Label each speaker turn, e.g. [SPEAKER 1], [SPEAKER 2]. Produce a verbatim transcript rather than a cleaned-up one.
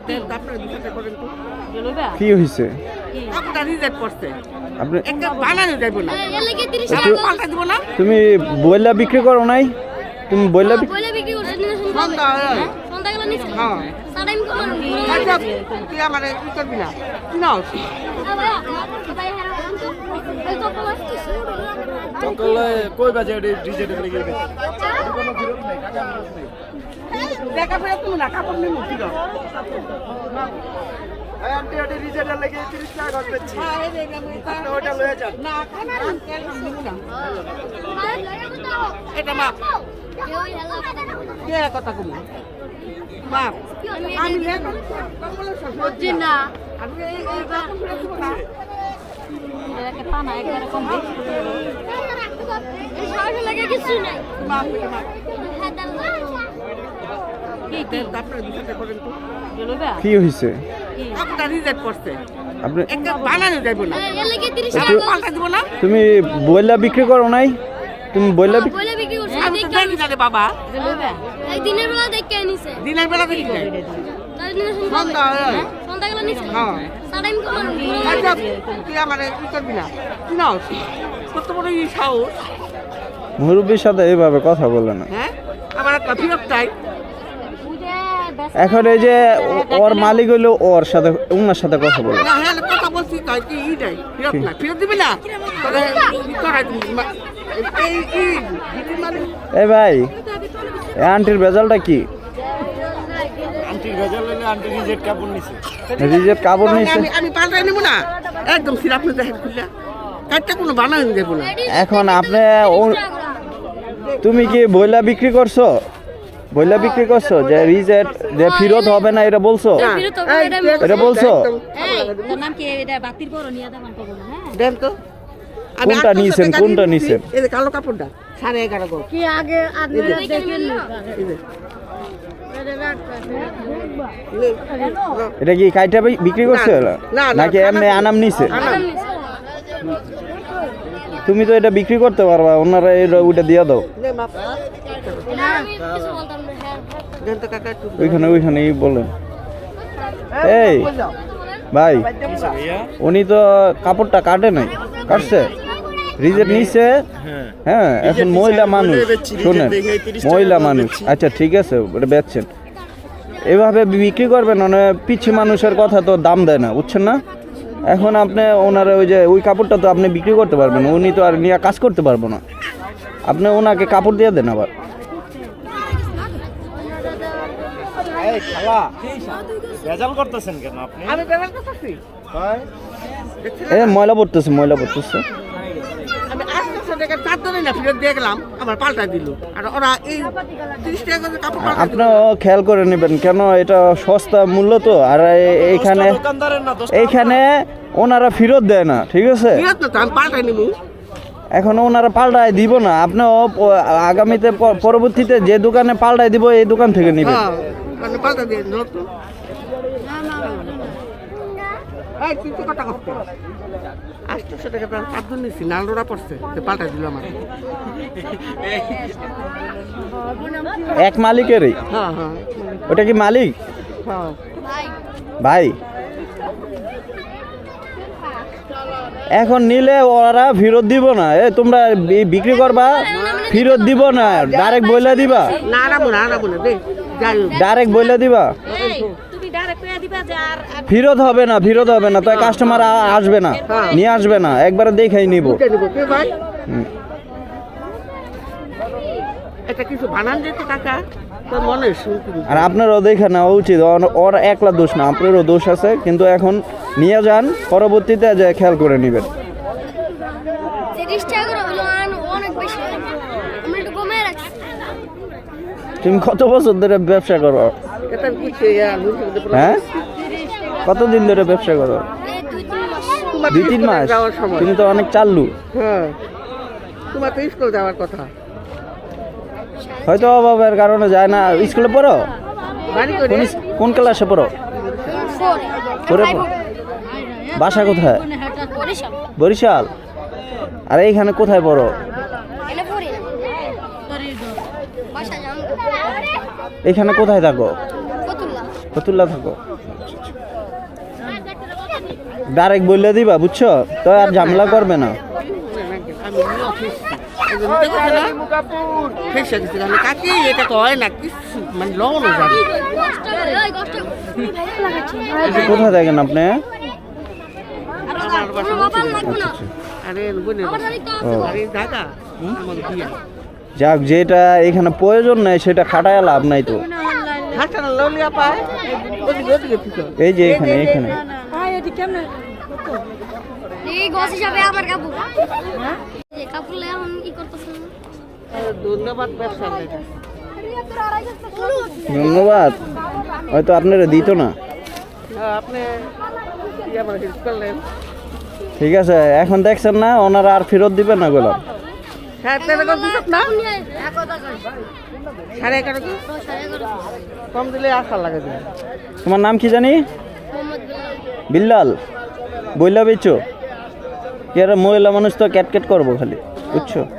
[SPEAKER 1] কি হয়েছে তুমি বইলা বিক্রি করো নাই তুমি বইলা বিক্রি
[SPEAKER 2] কই বাজে ডিজেট লেগে গেছে
[SPEAKER 3] দেখা ফেরা তুমি না কাপড় নিয়ে মুক্তি দাও
[SPEAKER 2] আন্টি আন্টি ডিজেট লেগে তিরিশ টাকা করে দিচ্ছি আপনি ওটা লয়ে যান
[SPEAKER 3] না খানা না এটা মাপ কে কথা কম মাপ আমি লেখা কমলা সবজি না আমি এই এই বাপ শুনছো না
[SPEAKER 4] এটাকে পানা একবারে কম দিই এই শহর লাগে কিছু নাই
[SPEAKER 3] মাপ এটা মাপ
[SPEAKER 4] কি কি
[SPEAKER 3] আপনারা দুটো করেন তো
[SPEAKER 4] জলবা
[SPEAKER 1] কি হয়েছে
[SPEAKER 3] আপনারা রিজেক্ট করতে
[SPEAKER 1] আপনি
[SPEAKER 3] একটা বানানো যাইব না
[SPEAKER 4] এর লাগে তিরিশ
[SPEAKER 3] আমি
[SPEAKER 4] টাকা
[SPEAKER 3] পাল্টা দিব না
[SPEAKER 1] তুমি বইলা বিক্রি করো নাই তুমি বইলা বিক্রি
[SPEAKER 4] বলে বিক্রি করছ
[SPEAKER 3] আমি তো দেখি না রে বাবা
[SPEAKER 4] জলবা এই দিনের বেলা দেখে নিছে
[SPEAKER 3] দিনের বেলা দেখি না
[SPEAKER 4] তাই দিনের
[SPEAKER 3] সন্ধ্যা হয়।
[SPEAKER 4] সন্ধ্যাবেলা নিছে
[SPEAKER 3] হ্যাঁ
[SPEAKER 4] সাড়াই কমান
[SPEAKER 3] আচ্ছা তুই আমার কি করবি না কি না কত বড় এই সাহস
[SPEAKER 1] মুরব্বীর সাথে এইভাবে কথা বলে না
[SPEAKER 3] হ্যাঁ আমার একটা ফিরত চাই
[SPEAKER 1] এখন এই যে ও- ওর মালিক হইলো ওর সাথে ওনার সাথে কথা বলে
[SPEAKER 3] না হ্যাঁ কথা বলছি তাই কি ই নাই ফিরত না ফিরত দিবি না তাহলে ই করাই দিবি মা- এই কি দিদি মানে
[SPEAKER 1] এই ভাই এই আন্টির বেজালটা কি
[SPEAKER 2] আন্টির গজল লইলে আন্টি ডিজেট কাপড় নিছে
[SPEAKER 1] রিজেট কাপড়
[SPEAKER 3] তাহলে
[SPEAKER 1] নিয়েছে
[SPEAKER 3] আমি আমি পাল্টাই নেবো না একদম সিরাপ নিয়ে দেখেন খুললা কাটটা কোনো বানানো দেবো না
[SPEAKER 1] এখন আপনি ও- তুমি কি বইলা বিক্রি করছো বইলা বিক্রি করছো যে রিজেট যে ফেরত হবে না এটা বলছো
[SPEAKER 4] ফিরে তো এটা
[SPEAKER 1] এটা বলছো
[SPEAKER 4] এই তোর নাম কি এটা বাতির বড় নিয়া দামান পাবো না হ্যাঁ
[SPEAKER 3] দেন তো আমি
[SPEAKER 1] কোনটা
[SPEAKER 3] আটশো
[SPEAKER 1] নিছেন,
[SPEAKER 3] টাকা
[SPEAKER 1] কোনটা
[SPEAKER 3] দিয়ে দিচ্ছি।
[SPEAKER 1] নিছেন?
[SPEAKER 3] এই যে কালো কাপড়টা সাড়ে এগারো গো
[SPEAKER 4] কি আগে আপনারা দেখেন
[SPEAKER 3] এই যে, নে, নাও।
[SPEAKER 1] এটা কি কাইটা বি- বিক্রি করছে
[SPEAKER 3] না, না, না,
[SPEAKER 1] নাকি এমনি
[SPEAKER 3] আনাম-
[SPEAKER 1] আনাম নিছে
[SPEAKER 3] আনাম।
[SPEAKER 1] তুমি তো এটা বিক্রি করতে পারবা ওনারা এটা ওইটা দিয়ে দাও
[SPEAKER 3] নে, মাপ।
[SPEAKER 4] না আমি কিছু বলতাম না হ্যাঁ
[SPEAKER 3] দেন তো কাকা একটু।
[SPEAKER 1] ওইখানে ওইখানেই বলেন এই
[SPEAKER 3] বল যাও।
[SPEAKER 1] ভাই উনি তো কাপড়টা কাটে নাই কাটছে রিজেক্ট নিছে হ্যাঁ এখন মহিলা মানুষ শোনেন মহিলা মানুষ আচ্ছা ঠিক আছে ওটা বেচছেন এভাবে বিক্রি করবেন মানে পিছিয়ে মানুষের কথা তো দাম দেয় না বুঝছেন না এখন আপনি ওনারা ওই যে ওই কাপড়টা তো আপনি বিক্রি করতে পারবেন না। উনি তো আর নিয়ে কাজ করতে পারবো না আপনি ওনাকে কাপড় দিয়ে দেন আবার
[SPEAKER 2] এই খালা ভেজাল করতেছেন কেন আপনি
[SPEAKER 3] আমি পেমেন্ট করতেছি
[SPEAKER 2] হয়
[SPEAKER 1] এ ময়লা পড়তেছে ময়লা পড়তেছে
[SPEAKER 3] আমি আটশো টাকা চার ধরে না ফেরত দিয়ে গেলাম আমার পাল্টা দিল আর ওরা এই তিরিশ টাকা করে কাপড় পাল্টা দিল।
[SPEAKER 1] আপনিও খেয়াল করে নেবেন কেন এটা সস্তা মূল্য তো আর এ- এইখানে
[SPEAKER 2] দোকানদারের না দোষ
[SPEAKER 1] এইখানে ওনারা ফেরত দেয় না ঠিক আছে
[SPEAKER 3] ফেরত না তো আমি পাল্টাই নিবো
[SPEAKER 1] এখন ওনারা পাল্টায় দিব না আপনিও প- আগামীতে প- পরবর্তীতে যে দোকানে পাল্টায় দিব এই দোকান থেকে নেবেন
[SPEAKER 3] হ্যাঁ মানে পাল্টা দিয়ে দিল তো এই তুই তো কথা করতে আটশো টাকা প্রায় চার ধরে নিচ্ছি নালডোরা পড়ছে তো পাল্টাই দিল আমার
[SPEAKER 1] এক মালিকেরই
[SPEAKER 3] হ্যাঁ হ্যাঁ
[SPEAKER 1] ওটা কি মালিক
[SPEAKER 3] হ্যাঁ
[SPEAKER 4] ভাই
[SPEAKER 1] ভাই এখন নিলে ওরা ফেরত দিব না এ তোমরা বি- বিক্রি করবা ফেরত দিব না ডাইরেক্ট বইলা দিবা
[SPEAKER 3] না আনাবো না আনাবো না দে যাই হোক।
[SPEAKER 1] ডাইরেক্ট বইলা দিবা
[SPEAKER 4] এই তুমি ডাইরেক্ট কইয়া দিবা যে আর আর
[SPEAKER 1] ফেরত হবে না ফেরত হবে না তাই কাস্টমার আসবে না নিয়ে আসবে না একবারে দেখাই নিব
[SPEAKER 3] বুঝে নিবো কে ভাই
[SPEAKER 1] হুম।
[SPEAKER 3] এটা কিছু বানান যেত কাকা তোর মনে শুনতে
[SPEAKER 1] আর আপনারও দেখে নেওয়া উচিত ওর- ওর একলা দোষ না আপনারও দোষ আছে কিন্তু এখন নিয়ে যান পরবর্তীতে যে খেয়াল করে নেবেন
[SPEAKER 4] তিরিশ টাকা করে হলো আন অনেক বেশি আমরা একটু কমে রাখছি
[SPEAKER 1] তুমি কত বছর ধরে ব্যবসা করো
[SPEAKER 3] এটা কিছু ইয়া বুঝতে
[SPEAKER 1] হ্যাঁ কতদিন ধরে ব্যবসা করো
[SPEAKER 4] এই দুই তিন মাস
[SPEAKER 3] তোমার
[SPEAKER 1] দুই তিন মাস
[SPEAKER 3] যাওয়ার সময়
[SPEAKER 1] তুমি তো অনেক চাল্লু
[SPEAKER 3] হ্যাঁ তোমার তো স্কুল যাওয়ার কথা
[SPEAKER 1] হয়তো অভাবের কারণে যায় না স্কুলে পড়ো
[SPEAKER 3] বাড়ি করে
[SPEAKER 1] কোন ইস- কোন ক্লাসে পড়ো
[SPEAKER 4] ফোর
[SPEAKER 1] পড়ে পড়ো। বাসা কোথায়
[SPEAKER 4] বরিশাল
[SPEAKER 1] বরিশাল আর এইখানে কোথায় পড়ো
[SPEAKER 4] এনে পড়ি না বাসা যান
[SPEAKER 1] এইখানে কোথায় থাকো
[SPEAKER 4] ফতুল্লাহ
[SPEAKER 1] ফতুল্লা থাকো ডাইরেক্ট বললে দিবা বুঝছো, তো আর ঝামেলা করবে না।
[SPEAKER 3] আমি ফেসে গেছি কাকি, এটা তো হয় না কিছু মানে লবণ যাবে।
[SPEAKER 1] কোথায় থাকেন আপনি?
[SPEAKER 3] আরে বোনের
[SPEAKER 1] ও
[SPEAKER 3] আরে ঢাকা আমার বিয়ে
[SPEAKER 1] যাক, যেটা এখানে প্রয়োজন নাই সেটা খাটায় লাভ নাই তো।
[SPEAKER 3] হাঁটা ললিয়া পায় ওদিকে ওদিকে পিছন
[SPEAKER 1] এই যে এখানে এখানে
[SPEAKER 4] এই গছ হিসাবে আমার কাপড় এই কাপড় লে এখন কি করতেছেন?
[SPEAKER 3] ধন্যবাদ ব্যবসা লেগে
[SPEAKER 1] ধন্যবাদ, হয়তো আপনারা দিত না।
[SPEAKER 3] আপনি কি আমার হেল্প করলেন।
[SPEAKER 1] ঠিক আছে, এখন দেখছেন না ওনারা আর ফেরত দিবেন না গোলাম।
[SPEAKER 3] সাড়ে তেরো করে দিত না
[SPEAKER 4] এক কথা কই
[SPEAKER 3] সাড়ে এগারো কি
[SPEAKER 4] তো সাড়ে এগারো
[SPEAKER 3] কম দিলে আশা লাগে দিন।
[SPEAKER 1] তোমার নাম কি জানি?
[SPEAKER 4] মোহাম্মদ বিল্লাল।
[SPEAKER 1] বিল্লাল। বইলা বেচো, কি আর মহিলা মানুষ তো ক্যাট ক্যাট করবো খালি, বুঝছো?